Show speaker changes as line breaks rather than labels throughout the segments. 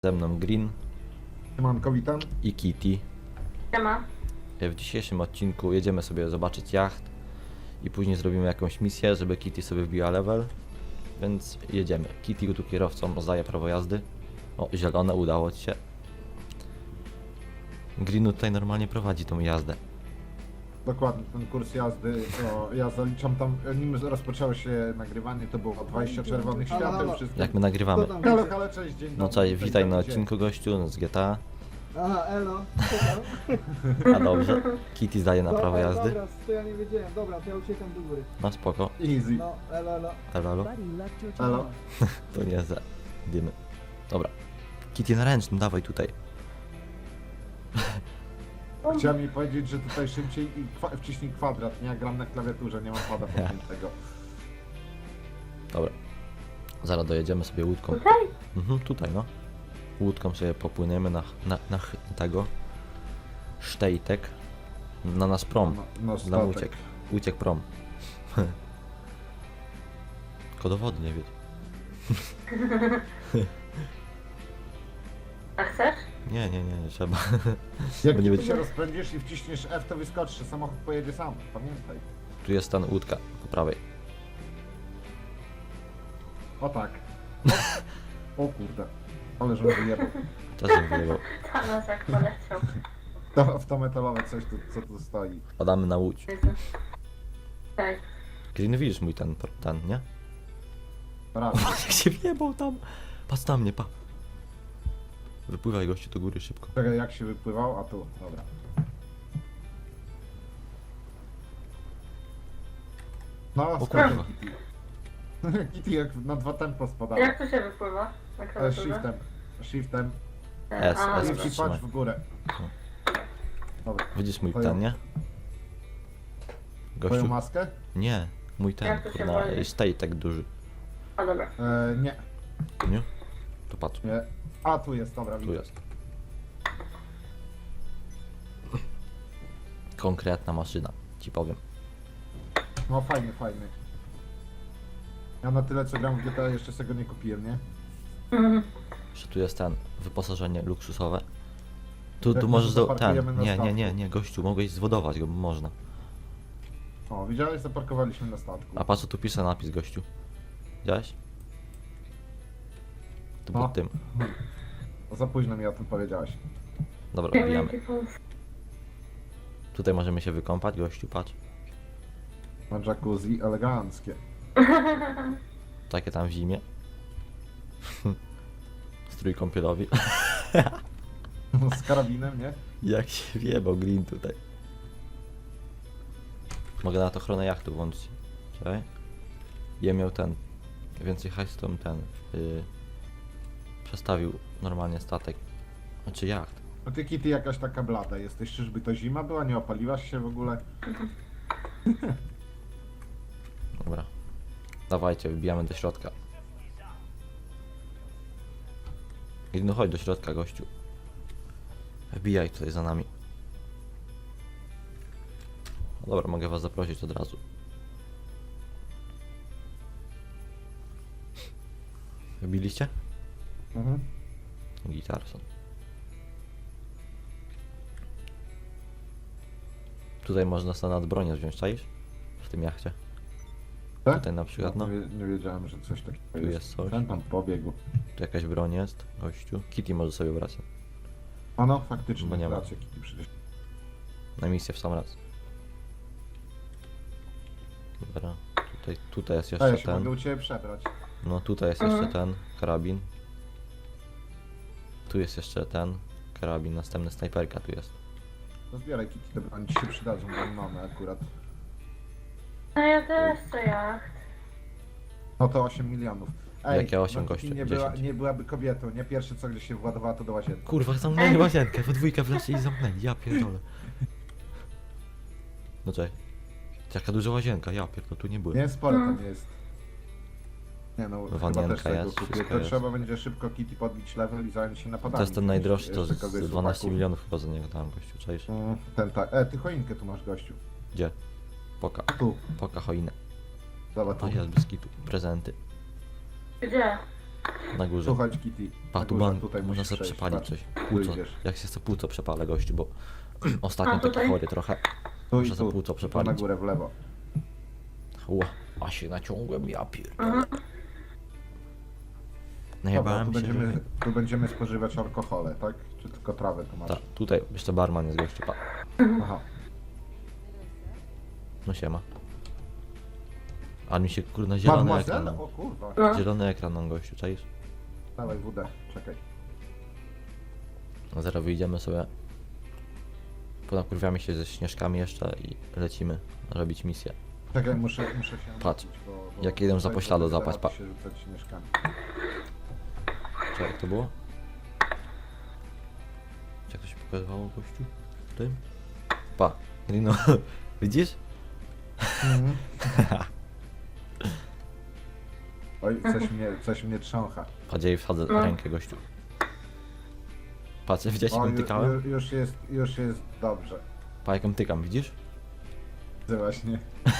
Ze mną Green
Siemanko, witam.
i Kitty.
Siema.
W dzisiejszym odcinku jedziemy sobie zobaczyć jacht i później zrobimy jakąś misję, żeby Kitty sobie wbiła level. Więc jedziemy. Kitty tu kierowcą rozdaje prawo jazdy. O, zielone, udało ci się. Green tutaj normalnie prowadzi tą jazdę.
Dokładnie, ten kurs jazdy, to ja zaliczam tam, nim rozpoczęło się nagrywanie, to było 20 czerwonych świateł, wszystko.
Jak my nagrywamy.
Halo, cześć, dzień dobry.
No cześć, witaj na
Dzień.
odcinku gościu z GTA.
Aha, elo.
A dobrze. Kitty zdaje na prawo jazdy.
Dobra, to ja nie wiedziałem. Dobra, to ja uciekam do góry.
No spoko.
Easy.
No, elo, elo.
Halo?
Halo.
To nie za dymy. Dobra. Kitty na ręcznym, dawaj tutaj.
Chciałem mi powiedzieć, że tutaj szybciej i wciśnij kwadrat, nie? Ja gram na klawiaturze, nie mam pada podpiętego.
Dobra. Zaraz dojedziemy sobie łódką.
Tutaj?
Tutaj no. Łódką sobie popłyniemy na tego Sztejtek. Na nasz prom.
No,
Nam
statek.
uciekł. Uciekł prom. Tylko do wody nie wiedz.
A chcesz?
Nie trzeba.
Jak
Bo nie
ty
będzie-
się rozpędzisz i wciśniesz F, to wyskoczysz, samochód pojedzie sam, pamiętaj.
Tu jest ten łódka po prawej.
O tak. O kurde. Ale żebym wyjebał.
Też bym wyjebał.
Tam nas jak poleciał.
To, w to metalowe coś, tu, co tu stoi.
Padamy na łódź.
Jezu. Tak.
Green, widzisz mój ten, nie?
Brawo.
Jak się wjebał tam. Patrz na mnie, pa. Wypływaj gościu do góry szybko.
Czekaj, jak się wypływał, a tu, dobra. No,
O
skoczę
kurwa.
Kitty. Kitty jak na 2 tempo spadała.
Jak tu się wypływa? Na klawiaturze?
Shiftem.
S,
A,
S.
I
dobra.
Trzymaj.
patrz w górę. Dobra.
Widzisz mój
Twoją-
ten, nie?
Twoją
Gościu.
maskę?
Nie, mój ten,
Jak to się
kurna,
woli?
Sztejtek duży.
A dobra.
Nie,
Nie? To patrz,
nie. A, tu jest, dobra,
tu
widzę.
jest. Konkretna maszyna, ci powiem.
No fajny, fajny. Ja na tyle co gram w GTA jeszcze sobie go nie kupiłem, nie?
Mhm.
Jeszcze tu jest ten, wyposażenie luksusowe. Tu
Jak
możesz
może
ten,
zaparkujemy na statku?
nie, gościu, mogłeś zwodować go, bo można.
O, widziałeś? Zaparkowaliśmy na statku.
A patrz co tu pisze napis, gościu. Widziałeś? Tu
No.
pod tym.
Za późno mi o tym powiedziałeś.
Dobra, wbijamy.
Jaki pomysł.
Tutaj możemy się wykąpać, gościu, patrz.
Na jacuzzi eleganckie.
Takie tam w zimie. Strój kąpielowy.
Z karabinem, nie?
Jak się wjebał Green tutaj. Mogę na to ochronę jachtu włączyć. Czekaj. Ja miał ten. Więcej hajsu to bym ten. Przestawił normalnie statek. Znaczy jacht.
No ty Kitty jakaś taka blada jesteś, czyżby to zima była? Nie opaliłaś się w ogóle?
Dobra. Dawajcie, wbijamy do środka. No chodź do środka, gościu. Wbijaj tutaj za nami. No dobra, mogę was zaprosić od razu. Wbiliście?
Mhm.
Gitarson. Tutaj można sobie nad bronię wziąć, czaisz? W tym jachcie.
Tak?
Tutaj na przykład, no.
Nie wiedziałem, że coś takiego
Tu jest coś.
Ten tam pobiegł.
Tu jakaś broń jest, gościu. Kitty może sobie brać.
A no, faktycznie,
Bo nie ma.
rację, Kitty przecież.
Na misję w sam raz. Dobra. Tutaj jest
A ja
jeszcze
się mogę
ten.
u Ciebie przebrać.
No tutaj jest jeszcze ten karabin. Tu jest jeszcze ten karabin. Następny snajperka tu jest.
To zbieraj Kitty, te broni Ci się przydadzą, bo mamy akurat.
No ja też chcę jacht.
No to 8 milionów.
Jakie 8,
no Kitty
gościu?
nie,
10.
nie byłaby kobietą, nie? Pierwsze co gdzieś się władowała to do łazienki.
Kurwa, zamknęli łazienkę. We dwójkę wleci i zamknęli. Ja pierdolę. No czekaj. Jaka duża łazienka. Ja pierdolę, tu nie byłem.
Nie, sporo to nie jest. Nie no, chyba
Wanienka
też tego
jest,
kupię.
wszystko
To
jest.
trzeba będzie szybko Kitty podbić level i zająć się napadami.
To jest ten najdroższy, to
Jeszcze
z
kogoś z
12
chłopaków.
milionów chyba za niego dałem, gościu, czaisz?
Ten tak. Ty choinkę tu masz, gościu.
Gdzie? Poka.
Tu.
Poka choinę.
Zobacz
A
tu.
jest bez kitu. Prezenty.
Gdzie?
Na górze.
Słuchaj, Kitty.
Pa,
na
tu
górze,
mam,
tutaj
można
musisz
sobie
przejść,
przepalić
patrz.
coś.
Tu
Płuco.
idziesz.
Jak się sobie płuco przepalę, gościu, bo ostatnio
A,
taki
tutaj?
chory trochę.
Tu
Muszę
i
sobie
tu.
płuco
Tu na
przepalić.
górę, w lewo.
Ła, a się naciągłem, ja pierdolę.
Mhm.
Dobra,
Najebałem się, że...
tu będziemy spożywać alkohole, tak? Czy tylko trawę tu masz?
Tak, tutaj jeszcze barman jest gościu, pa.
Aha.
No siema. A mi się kurna zielony ekran.
Mademoiselle? O kurwa.
No.
Zielony ekran nam gościu, czaisz?
Dawaj wódę, czekaj.
No zaraz wyjdziemy sobie. Ponakurwiamy się ze śnieżkami jeszcze i lecimy robić misję.
Czekaj, muszę się...
Patrz,
napić,
jak jedę za
tutaj
pośladu
zaraz
zapać, pa.
się rzucać śnieżkami.
Czy jak to było? Czy jak to się pokazywało gościu? W tym? Pa, Rino, widzisz?
Oj, coś mnie trzącha.
Patrz, ja jej wsadzę
No.
rękę gościu. Patrz, widziałeś
O,
jak ją tykałem?
już jest dobrze.
Pa, jak ją tykam, widzisz?
Ty właśnie.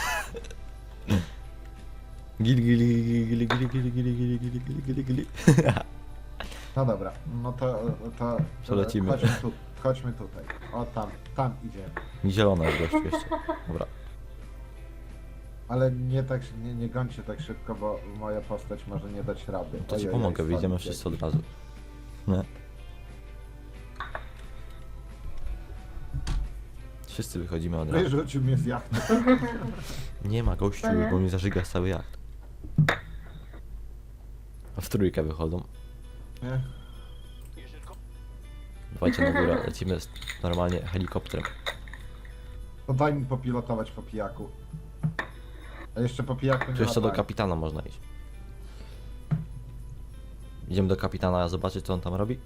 Gili, gili, gili, gili, gili, gili, gili, gili, gili, gili, gili.
No dobra, no to
To lecimy.
Chodźmy tutaj. O, tam idziemy.
Zielona jest gościu jeszcze. Dobra.
Ale nie tak, nie gońcie tak szybko, bo moja postać może nie dać rady.
To ci
Ojej,
pomogę, wyjdziemy
schodzi
wszyscy
jakiś.
od razu. Nie. Wszyscy wychodzimy od razu.
Wyrzucił mnie z jachty.
Nie ma gościu, bo mi zażyga cały jacht. A w trójkę wychodzą.
Nie?
Dawajcie na górę, lecimy normalnie helikopterem.
To daj mi popilotować po pijaku. A jeszcze po pijaku nie
Tu jeszcze do
latałem.
kapitana można iść. Idziemy do kapitana zobaczyć co on tam robi?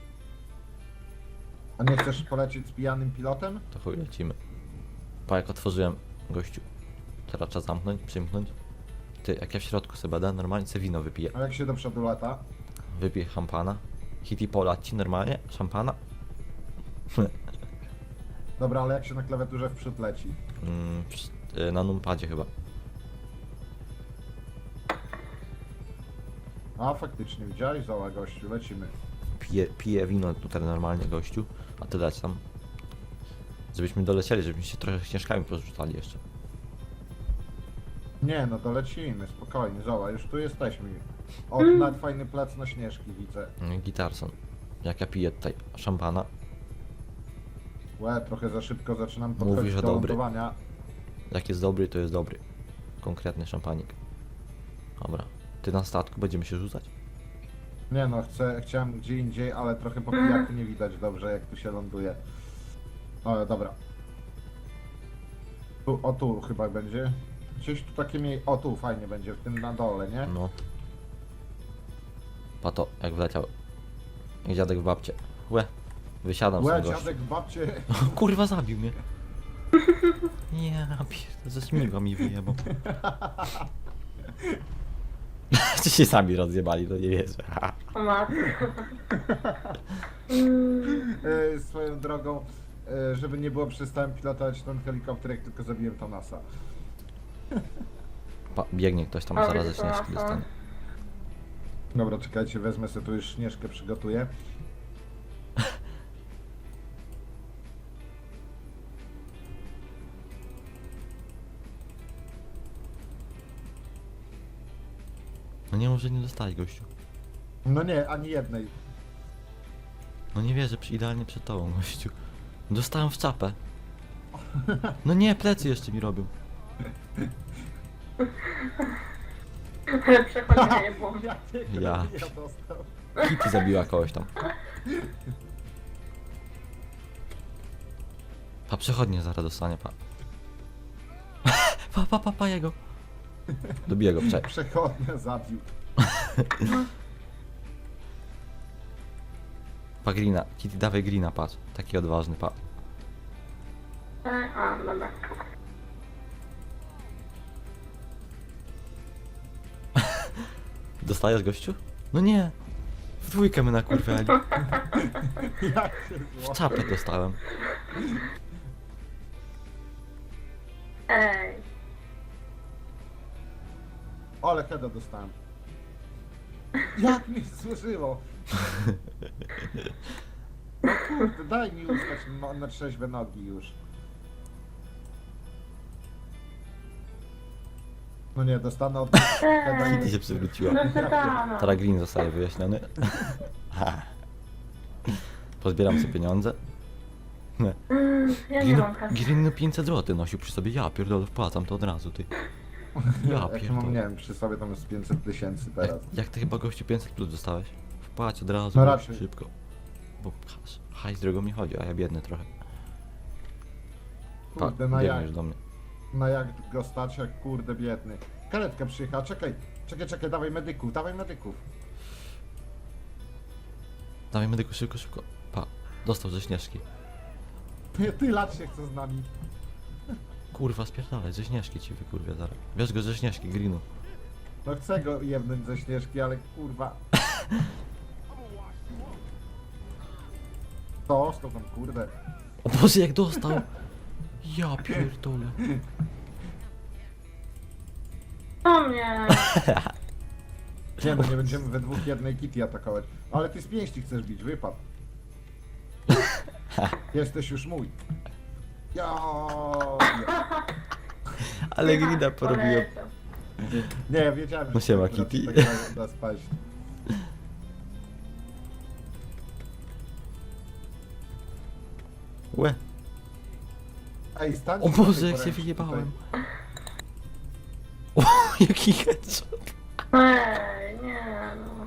A nie chcesz polecieć z pijanym pilotem?
To chuj lecimy. Pa jak otworzyłem gościu. Teraz trzeba zamknąć, przymknąć. Ty, jak ja w środku sobie będę, normalnie sobie wino wypiję.
A jak się do przodu lata?
Wypiję szampana. Hitty polać ci normalnie? Szampana?
Dobra, ale jak się na klawiaturze w przód leci?
Na numpadzie chyba.
A faktycznie, widziałeś? Zała gościu, lecimy.
Piję wino tutaj normalnie gościu, a ty leć tam. Żebyśmy dolecieli, żebyśmy się trochę śnieżkami porzucali jeszcze.
Nie, no to lecimy, spokojnie, zała, już tu jesteśmy. O, nawet fajny plac na śnieżki widzę.
Gitarson. Jak ja piję tutaj szampana.
Łe, trochę za szybko zaczynam
Mówi,
podchodzić
że
do
dobry.
lądowania.
Jak jest dobry, to jest dobry. Konkretny szampanik. Dobra. Ty na statku będziemy się rzucać?
Nie no, chciałem gdzie indziej, ale trochę po pijaku nie widać dobrze, jak tu się ląduje. O, dobra. Tu chyba będzie. Gdzieś tu takie o tu fajnie będzie, w tym na dole, nie?
No. Pato, jak wleciał. Jak dziadek w babcie. Łe. Wysiadam
Łe,
z tego.
dziadek w babcie.
Kurwa, zabił mnie. Nie, pierdolę, ze śmigła mi wyjebał. Czy się sami rozjebali, to nie wierzę.
O matko.
Swoją drogą, żeby nie było, przestałem pilotować ten helikopter, jak tylko zabiłem Thomasa.
Biegnie ktoś tam,
O,
zaraz ze
widzę,
śnieżki
aha.
dostanie.
Dobra, czekajcie, wezmę sobie tu już śnieżkę, przygotuję.
No nie może nie dostać gościu.
No nie, ani jednej.
No nie wierzę, idealnie przed tobą gościu. Dostałem w czapę. No nie, plecy jeszcze mi robią.
Przechodzenie było.
Ja.
dostał.
Kitty zabiła kogoś tam. Pa przechodnie zaraz dostanie, pa. Pa jego. Dobiję go, czekaj.
Przechodnia zabił.
Pa Greena, Kitty dawaj Greena, patrz. Taki odważny, pa.
A, dobra.
Dostajesz gościu? No nie. W dwójkę my nakurwiali.
Jak się
W
zło.
czapę dostałem.
Ej.
Ale heada dostałem. Jak mi służyło? No kurde, daj mi ustać na trzeźwe nogi już. No nie, dostanę od...
Kitty się przywróciła.
No pytano.
Teraz Green zostaje wyjaśniony. Ha. Pozbieram sobie pieniądze. Nie.
Ja nie mam kasy.
Green no 500 zł nosił przy sobie. Ja pierdolę, wpłacam to od razu, ty. Ja
Jak mam, nie
pierdolę.
wiem, przy sobie tam jest 500 000 teraz.
Jak ty chyba gościu 500 plus dostałeś? Wpłać od razu,
No
już
raczej.
szybko. Bo hajs drogo mi chodzi, a ja biedny trochę.
Kurde, na
biegniesz
jak,
do mnie.
na jak go stać, jak kurde biedny. Karetka przyjechała, czekaj, dawaj medyków.
Dawaj medyku, szybko, szybko. Pa, dostał ze Śnieżki.
Ty lat się chce z nami.
Kurwa, spierdalaj, ze Śnieżki ci wykurwia zaraz. Wiesz go ze Śnieżki, Greenu.
No chcę go jebnąć ze Śnieżki, ale kurwa. To tam kurde.
O Boże, jak dostał! Ja pierdolę.
O mnie.
Nie no, nie będziemy we dwóch jednej Kitty atakować. Ale ty z pięści chcesz bić, wypad. Jesteś już mój. Ja.
Ale Greena porobiłem.
Poleciał.
Nie, wiedziałem, że
No siema,
to akurat
Kitty.
tak da spaść.
Łe.
Ej, stań.
O Boże, jak się wyjebałem. O, jaki headshot.
Ej, nie no.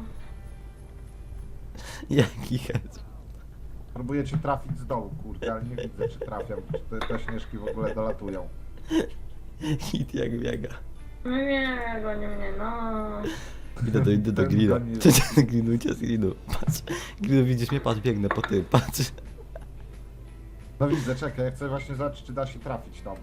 Jaki headshot.
Próbuję cię trafić z dołu, kurde, ale nie widzę, czy trafiam, czy te śnieżki w ogóle dolatują.
Hit jak biega.
No nie, goni mnie, no.
Idę do
Ten
Greena.
goni.
Cześć, do Greenu, idzie z Greenu. Patrz. Greenu, widzisz mnie? Patrz, biegnę po tym, patrz.
No widzę, czekaj, ja chcę właśnie zobaczyć, czy da się trafić tam.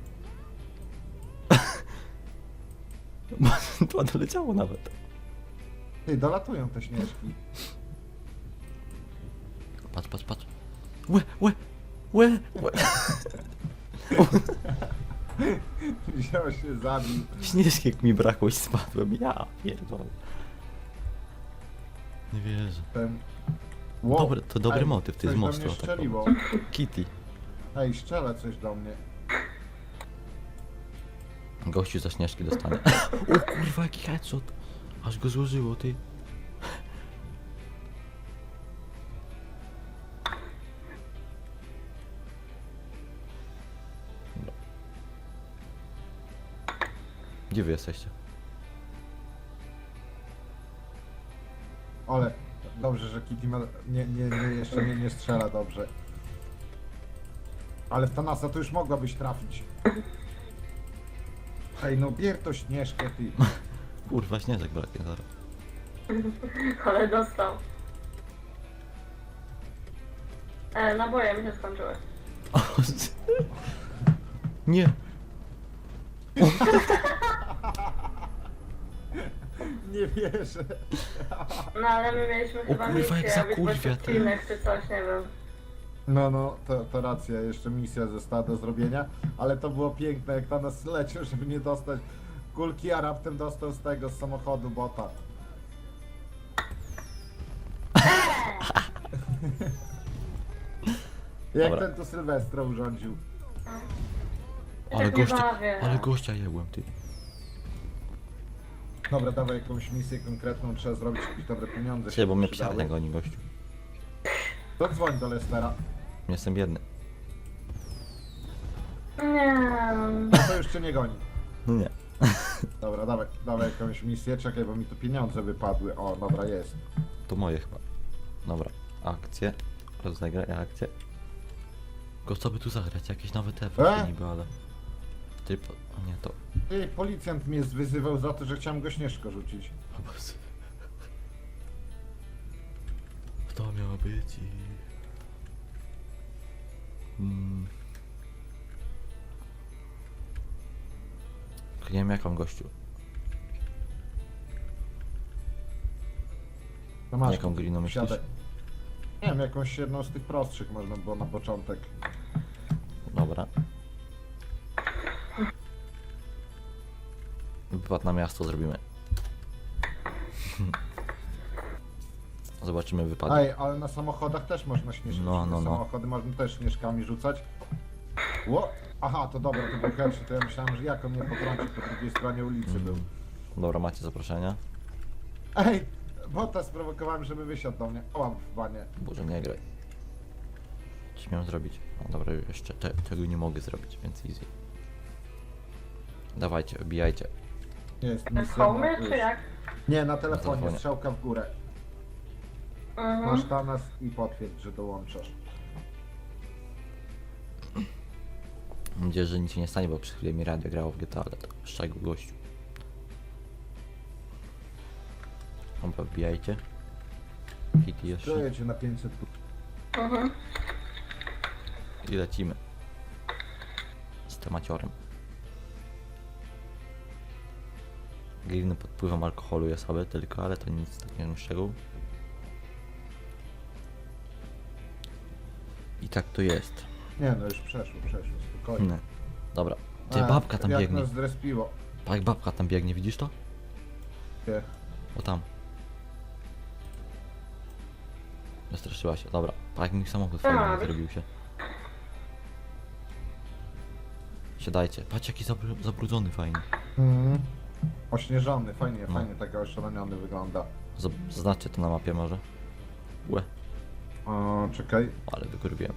To doleciało nawet.
Ty, dolatują te śnieżki.
Patrz, patrz, patrz. Łe.
Wziął się, zabił.
Śnieżki jak mi brakło i spadłem. Ja pierdolę. Nie wierzę.
Ten...
To dobry
Ej,
motyw, ty
coś
z
do
mostu
mnie
atakował.
strzeliło.
Kitty.
Ej, strzela coś do mnie.
Gościu za Śnieżki dostanie. O kurwa, jaki headshot. Aż go złożyło, ty. Dobra. Gdzie wy jesteście?
Ale dobrze, że Kitty ma... jeszcze nie strzela dobrze. Ale w Thanasa to już mogłabyś trafić. Ej, no bier to śnieżkę, ty.
Kurwa, Śnieżek braknie zaraz.
Ale dostał. Naboje mi się skończyły.
O, nie.
Nie wierzę.
No ale my mieliśmy chyba
kurwa, jak
misję, być
zakurwia, ty.
odcinek czy coś, nie wiem.
No, to racja, jeszcze misja została do zrobienia, ale to było piękne, jak Thanos leciał, żeby nie dostać kulki, a raptem dostał z tego, z samochodu bota. Jak
Dobra.
ten tu Sylwestra urządził.
Ja
Ale
tak nie
gościa,
bawię.
ale gościa jebłem, ty.
Dobra, dawaj jakąś misję konkretną, trzeba zrobić jakieś dobre pieniądze.
Cześć, bo mnie
przydały.
psiarnia goni, gościu.
To dzwoń do Lestera.
Jestem biedny.
Nie,
No to już cię nie goni.
No nie.
Dobra, dawaj jakąś misję, czekaj, bo mi tu pieniądze wypadły. O, dobra, jest.
To moje chyba. Dobra. Akcje. Rozegraj akcję. Go co by tu zagrać? Jakieś nowe efekty niby, ale... Typ... O nie, to...
Ty, policjant mnie wyzywał za to, że chciałem go śnieżko rzucić.
O Boże. To miało być i... Nie wiem jaką gościu.
To masz,
Jaką gliną myślisz?
siadaj. Nie wiem, jakąś jedną z tych prostszych można było na początek.
Dobra. Wypad na miasto zrobimy. Zobaczymy wypadek.
Ej, ale na samochodach też można śnieżki.
No, no, no.
Samochody można też śnieżkami rzucać. Ło! Aha, to dobra, to był pierwszy, to ja myślałem, że jako mnie potrąci po drugiej stronie ulicy był.
Dobra, macie zaproszenia.
Ej! Bota sprowokowałem, żeby wysiadł do mnie. O, w banie.
Boże, nie graj. Co miałem zrobić? No dobra, jeszcze tego nie mogę zrobić, więc easy. Dawajcie, obijajcie.
Jest
Z
misja.
homy,
na-
czy jak?
Nie, na
Na
telefonie,
telefonie.
strzałka w górę.
Mhm.
Masz Thanos i potwierdź, że dołączasz.
Mam nadzieję, że nic się nie stanie, bo przez chwilę mi radio grało w GTA, ale to szczegół gościu. Dobra, wbijajcie. Kitty jeszcze.
Czuję cię na 500.
Mhm.
I lecimy. Z temaciorem. Gliny pod wpływem alkoholu jest sobie tylko, ale to nic takiego szczegółu. I tak to jest.
Nie no, już przeszło, spokojnie.
Nie. Dobra. Ty, babka tam
jak
biegnie.
nas zrespiło.
Tak, babka tam biegnie, widzisz to?
Nie.
O tam. Wystraszyła się, dobra. Tak mi samochód fajny
Tak.
zrobił się. Siadajcie. Patrz jaki zabrudzony fajny.
Mhm. Ośnieżony, fajnie,
No.
fajnie, taki oszaleniony wygląda.
Zaznaczcie to na mapie może. Łe,
O, czekaj.
ale wykurwiłem.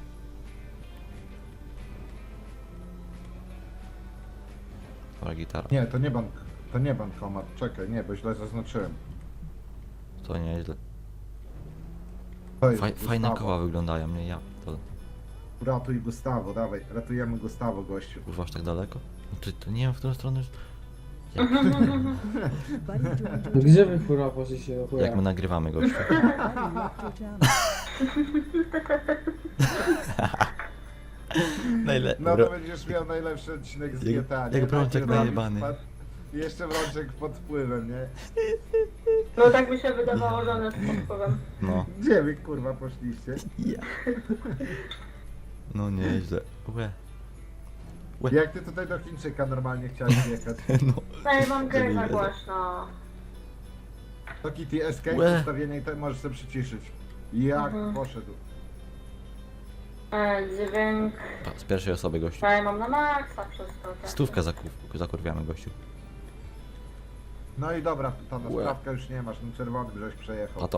Dobra, gitara.
Nie, to nie bankomat. Czekaj, nie, bo źle zaznaczyłem.
To nieźle.
To jest
Fajne
Gustavo.
koła wyglądają, nie ja. To
Ratuj Gustavo, dawaj, ratujemy Gustavo, gościu.
kurwa aż tak daleko? No to nie wiem w którą stronę już...
Gdzie wy kurwa poszliście do chuja?
Jak my nagrywamy gościu.
No to będziesz miał najlepszy odcinek z
Jak-
GTA,
jak
nie?
Brączek
Taki robisz,
najebany.
I jeszcze Brączek pod wpływem, nie?
No tak mi się wydawało, że one z podpływem.
No.
Gdzie wy kurwa poszliście?
Ja. No nieźle. Łe.
Jak ty tutaj do Chińczyka normalnie chciałeś jechać?
No.
Ej, mam grę
Zabij
za
mnie.
głośno.
To Kitty Escape,
Łe.
ustawienie i to możesz sobie przyciszyć. Jak
Mhm.
poszedł.
Dźwięk.
Z pierwszej osoby gościu.
Ej, mam na maksa przez to. tak.
Stówkę zakurwiamy gościu.
No i dobra, ta
Łe.
sprawka już nie masz, no czerwony żeś przejechał.
A to.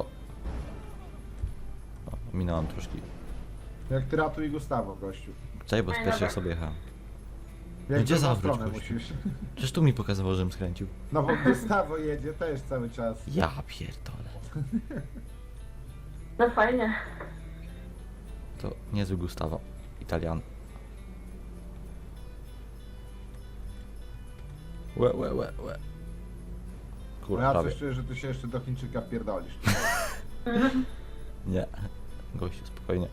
O, minąłem troszkę.
Jak ty ratuj Gustavo, gościu.
Czekaj, bo z
Ej,
pierwszej
dobra.
osoby jechałem.
Jak
Gdzie
w drugą
zawróć,
stronę
gościu?
musisz.
Przecież tu mi pokazywał, żebym skręcił.
No bo Gustavo jedzie też cały czas.
Ja pierdolę.
No fajnie.
To niezły Gustavo. Italian. Łe.
No
Kurwa,
ja
prawie.
coś czuję, że ty się jeszcze do Chińczyka pierdolisz.
Nie. Gościu, spokojnie.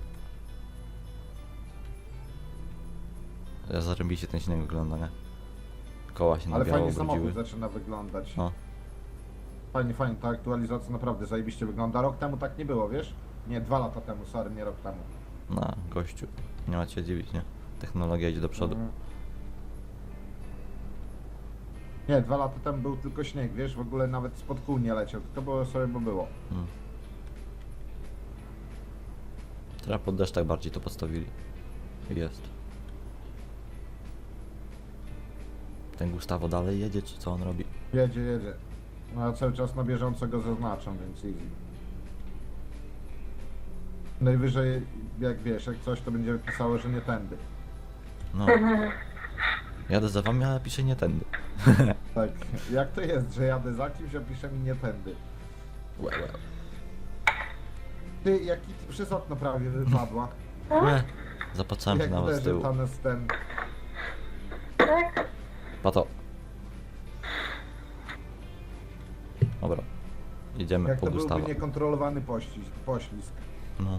Ja zarębiście ten śnieg wygląda, nie? Koła się na
Ale
biało
fajnie samochód
obrodziły.
zaczyna wyglądać.
No.
Fajnie, ta aktualizacja naprawdę zajebiście wygląda. Rok temu tak nie było, wiesz? Nie, 2 lata temu, sorry, nie rok temu.
No, gościu. Nie ma się dziwić, nie? Technologia idzie do przodu.
Mhm. Nie, 2 lata temu był tylko śnieg, wiesz? W ogóle nawet spod kół nie leciał, tylko było sobie, bo było.
Mm. Teraz pod deszcz tak bardziej to podstawili. Jest. Ten Gustavo dalej jedzie, czy co on robi?
Jedzie. No ja cały czas na bieżąco go zaznaczam, więc easy. Najwyżej, jak wiesz, jak coś to będzie pisało, że nie tędy.
No. Jadę za wami, ale piszę nie tędy.
Tak, jak to jest, że jadę za kimś, a pisze mi nie tędy.
Łe.
Ty, jaki ty przez okno prawie wypadła.
Łe. Zapatrzałem się
Jak
nawet z
uderzył
tyłu.
tam z ten...
Tak?
Pato. Dobra. Jedziemy
Jak
po
to byłby
Gustavo.
niekontrolowany poślizg.
No.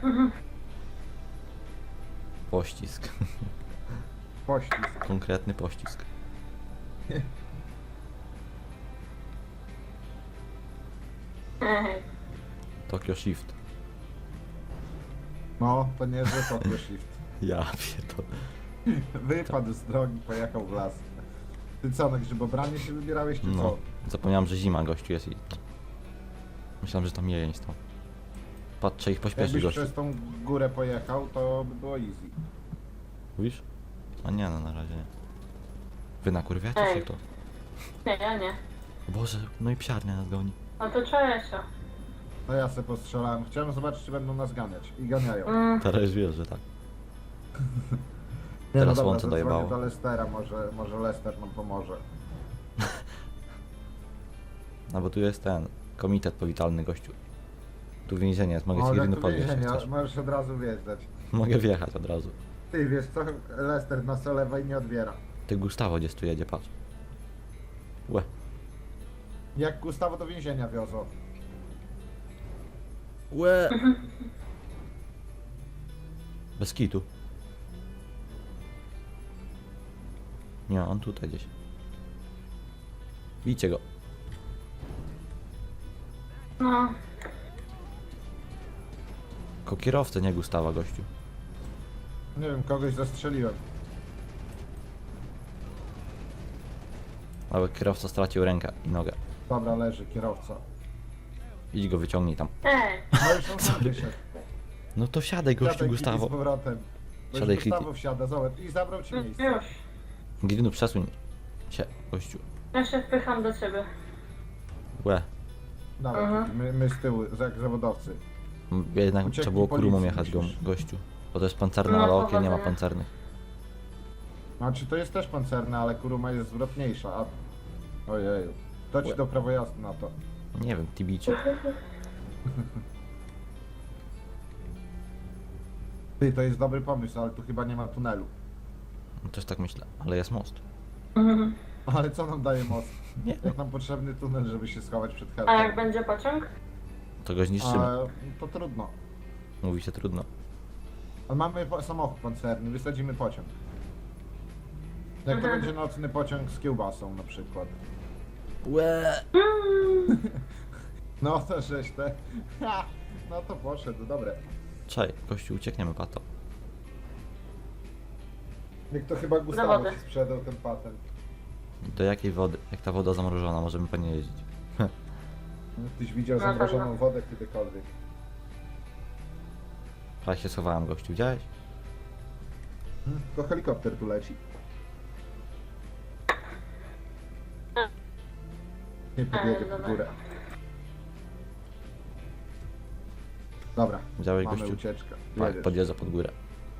Pościsk.
Poślizg.
Konkretny pościsk.
Ej.
Tokyo Shift.
No, to nie, że Tokyo Shift.
Ja pierdolę.
Wypadł z drogi, pojechał w las. Ty co, na grzybobranie się wybierałeś, czy
No.
co?
Zapomniałem, że zima gościu jest i... Myślałem, że tam jeleń stał. Patrz, trzeba ich pośpieszyć,
Jakbyś
gościu.
przez tą górę pojechał, to by było easy.
Mówisz? A nie, no na razie nie. Wy nakurwiacie się
Ej.
to?
Nie, ja nie.
Boże, no i psiarnia nas goni.
No to Czesio.
No ja se postrzelałem. Chciałem zobaczyć, czy będą nas ganiać. I ganiają.
Teraz już wiesz, że tak.
Nie,
Teraz
dobra,
słońce
zadzwonię
dojebało.
do Lestera, może Lester nam pomoże.
No bo tu jest ten komitet powitalny, gościu. Tu więzienie jest, mogę
O,
ci
jak
jedyny
tu
podwieźć, jak
więzienie,
chcesz.
możesz od razu wjeżdżać.
Mogę wjechać od razu.
Ty wiesz co, Lester nas olewa i nie odbiera.
Ty Gustawo gdzieś tu jedzie, patrz. Łe.
Jak Gustawo do więzienia wiozą.
Łe. Bez kitu. Nie, on tutaj gdzieś. Bijcie go.
No.
Ko kierowcę, nie Gustawa, gościu.
Nie wiem, kogoś zastrzeliłem.
Ale kierowca stracił rękę i nogę.
Dobra, leży kierowca.
Idź go wyciągnij tam.
Ej.
No już on sam wyszedł.
No to siadaj, gościu,
Siadaj, Kitty,
Gustawo.
z powrotem. Bo
Siadaj,
już Gustawo wsiada, zobacz. I zabrał ci miejsce.
Już.
Gidinu, przesuń się, gościu.
Ja się wpycham do ciebie.
Łe.
Dawaj,
Mhm.
Kitty, my z tyłu, jak zawodowcy.
Jednak
Ucieknij
trzeba było kurumą
policji,
jechać go,
musisz.
gościu. Bo to jest pancerne,
No,
ale okien nie ma
powodzenia.
pancernych.
Znaczy to jest też pancerne, ale Kuruma jest zwrotniejsza, a... Ojeju. To ci do prawo jazdy na to.
Nie wiem, tibicie.
Ty, to jest dobry pomysł, ale tu chyba nie ma tunelu.
No, też tak myślę, ale jest most.
Mhm.
Ale co nam daje most?
Nie.
Jak nam potrzebny tunel, żeby się schować przed
A jak
helką?
będzie pociąg?
To go zniszczymy.
To trudno.
Mówi się trudno.
Ale mamy samochód pancerny, wysadzimy pociąg. Jak to
Mhm.
będzie nocny pociąg z kiełbasą na przykład.
Łe.
No to żeś te... Ha! No to poszedł, dobre.
Czaj, gościu, uciekniemy, pato.
Jak to chyba Gustawo
Zawody.
ci sprzedał ten patent.
Do jakiej wody? Jak ta woda zamrożona, możemy po niej jeździć.
Tyś widział
Na
zamrożoną
pewno.
wodę kiedykolwiek.
A się schowałem, gościu, widziałeś?
To helikopter tu leci. Nie podjedzie pod
dobra.
górę. Dobra,
Widziałeś,
mamy
gościu?
ucieczkę.
Tak,
Jedziesz.
podjeżdża pod górę.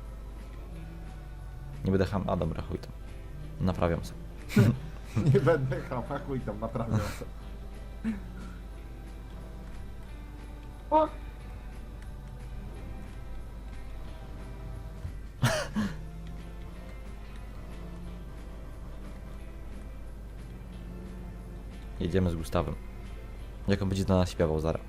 Nie będę ham... A dobra, chuj tam. Naprawiam sobie.
Nie będę chuj tam naprawiał sobie.
O,
Jedziemy z Gustawem. Jak on będzie do nas śpiewał zaraz.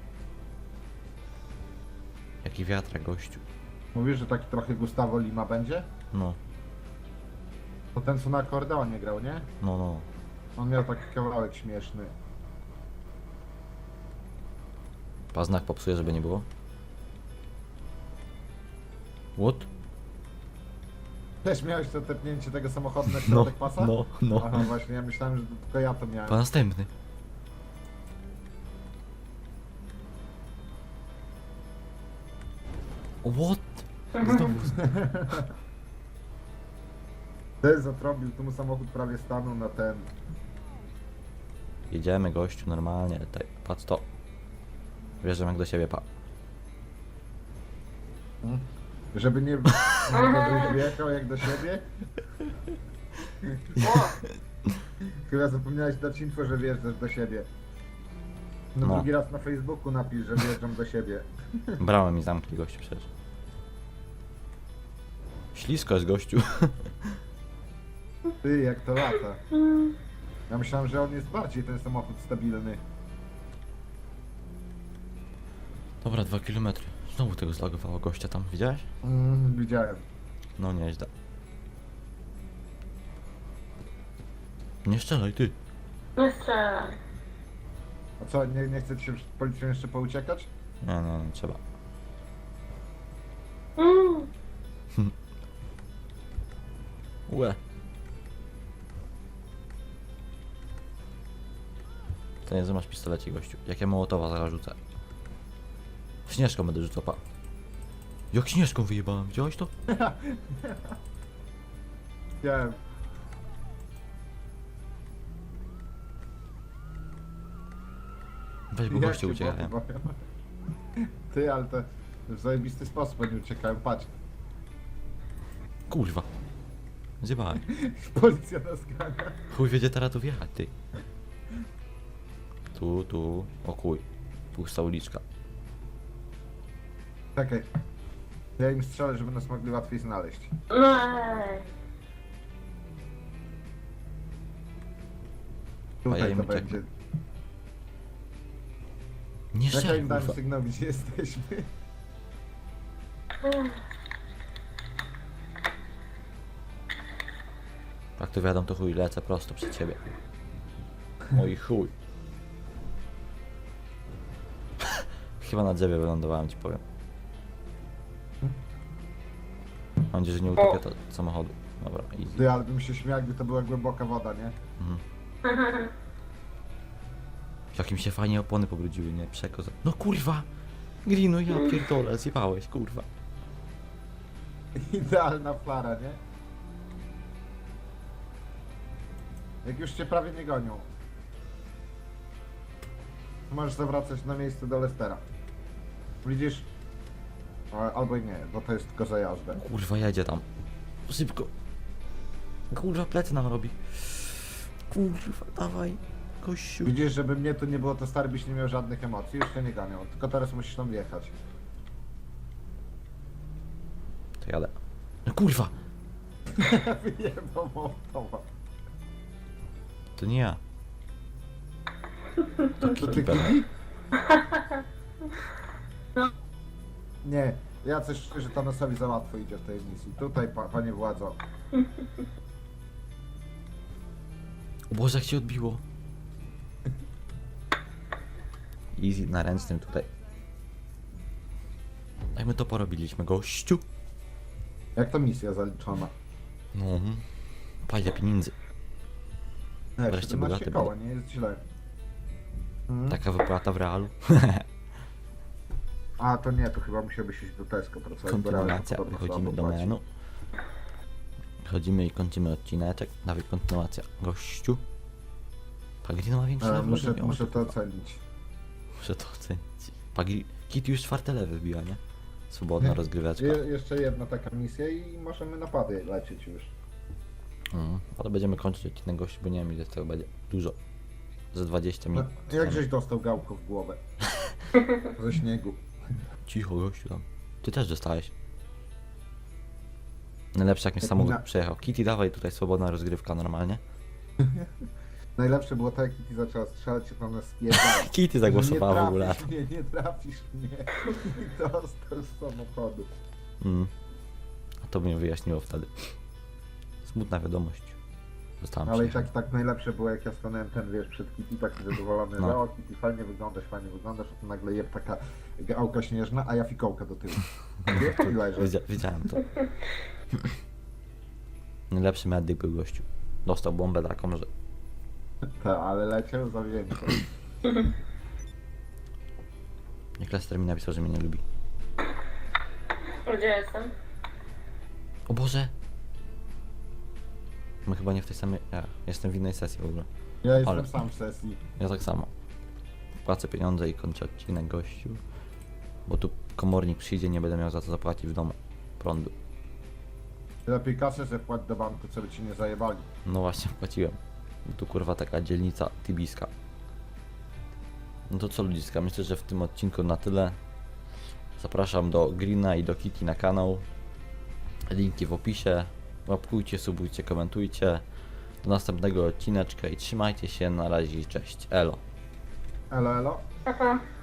Jaki wiatrak, gościu.
Mówisz, że taki trochę Gustavo Lima będzie?
No,
To ten co na akordeonie grał, nie?
no, no.
On miał taki kawałek śmieszny.
Znak popsuje, żeby nie było. What?
Też miałeś to tepnięcie tego samochodu na
No,
środek pasa?
no, no.
Aha, właśnie, ja myślałem, że to tylko ja to miałem.
Po następny. What? Znowu.
Ten zatrąbił, tu mu samochód prawie stanął na ten.
Jedziemy, gościu, normalnie. Tutaj, patrz to. Wjeżdżam jak do siebie, pa.
Żeby nie... Żebyś wjechał jak do siebie.
o,
Chyba zapomniałeś dać info, że wjeżdżasz do siebie. No,
No.
drugi raz na Facebooku napisz, że wjeżdżam do siebie.
Bramę mi zamknij, gościu, przecież. Ślisko jest, gościu.
Ty, jak to lata. Ja myślałem, że on jest bardziej ten samochód stabilny.
Dobra, 2 km. Znowu tego zlagowało gościa tam, widziałeś?
Widziałem.
No nieźle. Nie strzelaj, ty.
nie strzelaj.
A co, nie chcecie się przed policją jeszcze pouciekać?
Nie, nie trzeba. Łe. To nie, że masz pistolecie, gościu. Jak ja Mołotowa zaraz rzucę. Śnieżką będę rzucał, pa. Jak śnieżką wyjebałem, widziałeś to?
Wiem.
Weź, bo
Jak
goście
się
uciekają.
boję. Ty, ale to w zajebisty sposób oni uciekają, patrz.
Kurwa. Zjebałem.
Policja nas gania.
Chuj wiedzie teraz tu wjechać, ty. Tu. O chuj. Pusta uliczka.
Czekaj. Ja im strzelę, żeby nas mogli łatwiej znaleźć.
No ej.
Tutaj
ja im
to
ucieknę.
będzie.
Nie
Czekaj,
strzel,
im dam
kurwa.
sygnał, gdzie jesteśmy.
Jak to wiadomo, to chuj, lecę prosto przed ciebie. Oj chuj. Chyba na drzewie wylądowałem, ci powiem. Mam nadzieję, że nie utopię to samochodu. Dobra, easy.
Ty, ale bym się śmiał, jakby to była głęboka woda, nie?
Jak mi się fajnie opony pobrudziły, nie? Przekoza. No kurwa! Grino, ja pierdolę, zjebałeś, kurwa.
Idealna flara, nie? Jak już cię prawie nie gonią. Możesz zawracać na miejsce do Lestera. Widzisz? Albo i nie, bo to jest tylko za jazdę.
Kurwa, jedzie tam. Szybko. Kurwa, plecy nam robi. Kurwa, dawaj. Kościół.
Widzisz, żeby mnie tu nie było, to stary byś nie miał żadnych emocji, już cię nie ganią. Tylko teraz musisz tam wjechać.
To jadę. No kurwa!
Wyjebał motowa.
To nie ja.
To ty
Kitty.
Kitty? Nie, ja coś szczerze Thanosowi za łatwo idzie w tej misji. Tutaj, panie władzo.
O Boże, jak się odbiło. Easy, na ręcznym tutaj. Jak my to porobiliśmy, gościu?
Jak to misja zaliczona?
No. Pajda pieniędzy.
Nie,
Wreszcie
17
bogaty
koła, nie jest źle. Mhm.
Taka wypłata w realu.
A to nie, to chyba musiałbyś iść do Tesco pracować. bo realnie
Kontynuacja.
podobno
Wychodzimy
słabo
do
płaci.
menu. Chodzimy i kończymy odcineczek. Dawaj, kontynuacja. Gościu. Pagrino ma większy level
Muszę,
ode mnie.
muszę to ocenić.
Muszę to ocenić. Kit już 4 lewy wbiła, nie? Swobodna rozgryweczka.
Jeszcze jedna taka misja i możemy napady lecieć już.
Ale będziemy kończyć odcinek, gościu, bo nie wiem ile z tego będzie. Dużo. Ze 20
No,
minut.
jak żeś dostał gałką w głowę? Ze śniegu.
Cicho, gościu tam. Ty też dostałeś. Najlepsze jak mi
Jak
samochód
na-
przejechał. Kitty, dawaj tutaj swobodna rozgrywka normalnie.
Najlepsze było to, jak Kitty zaczęła strzelać, się tam nas spierdala.
Kitty zagłosowała w ogóle.
Nie trafisz mnie, nie trafisz mnie. I dostał z samochodu.
A to by mnie wyjaśniło wtedy. Smutna wiadomość. Zostałam
Ale i
przyjechać.
tak najlepsze było, jak ja stanąłem ten, wiesz, przed Kitty, taki zadowolony,
No.
że o Kitty, fajnie wyglądasz, a to nagle jeb taka gałka śnieżna, a ja fikołka do tyłu. Nie leży.
Wiedziałem to. Najlepszy medyk był gościu. Dostał bombę taką, że...
Ta, ale leciał zawzięcie.
Jak Lester mi napisał, że mnie nie lubi.
Gdzie jestem?
O Boże! My chyba nie w tej samej... Ja jestem w innej sesji w ogóle.
Ja jestem
Ale-
sam w sesji.
Ja tak samo. Płacę pieniądze i kończę odcinek, gościu. Bo tu komornik przyjdzie, nie będę miał za to zapłacić w domu prądu.
Lepiej kasę ze wpłać do banku, co by ci nie zajebali.
No właśnie, płaciłem. Bo tu kurwa taka dzielnica tibiska. No to co ludziska, myślę, że w tym odcinku na tyle. Zapraszam do Greena i do Kitty na kanał. Linki w opisie. Łapkujcie, subujcie, komentujcie. Do następnego odcineczka i trzymajcie się, na razie, cześć, elo.
Elo, elo.
Pa, pa.